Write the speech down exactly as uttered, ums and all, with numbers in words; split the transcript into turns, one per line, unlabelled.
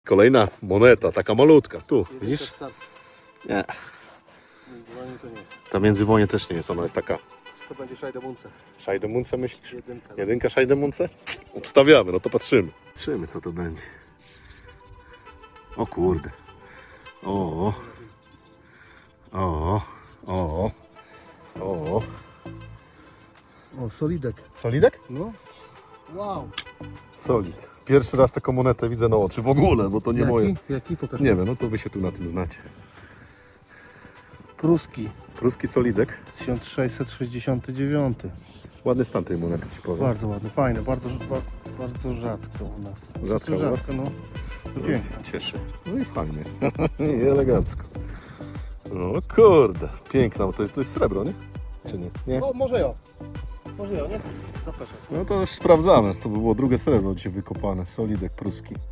Kolejna moneta, taka malutka. Tu, widzisz? Nie.
To nie.
Ta międzywonie też nie jest, ona jest taka.
To będzie Szajdemunce.
Szajdemunce myślisz?
Jedynka.
Jedynka Szajdemunce? Obstawiamy, no to patrzymy. Patrzymy, co to będzie. O kurde. O. O. O. O.
O, solidek.
Solidek?
No. Wow.
Solid. Pierwszy raz taką monetę widzę na oczy w ogóle, bo to nie
Jaki?
moje.
Jaki? Pokaż.
Nie wiem, no to wy się tu na tym znacie.
Pruski.
Pruski solidek.
tysiąc sześćset sześćdziesiąty dziewiąty.
Ładny stan tej monety, ci powiem.
Bardzo ładny, fajny, bardzo, bardzo, bardzo rzadko u nas.
Rzadko u was?
rzadko, no. To pięknie.
Cieszy. No i fajnie. I elegancko. No kurde, piękna, bo to jest, to jest srebro, nie? Czy nie? Nie?
O, może ja. Może ja, nie? Zapraszam.
No to już sprawdzamy. To by było drugie srebro dzisiaj wykopane. Solidek pruski.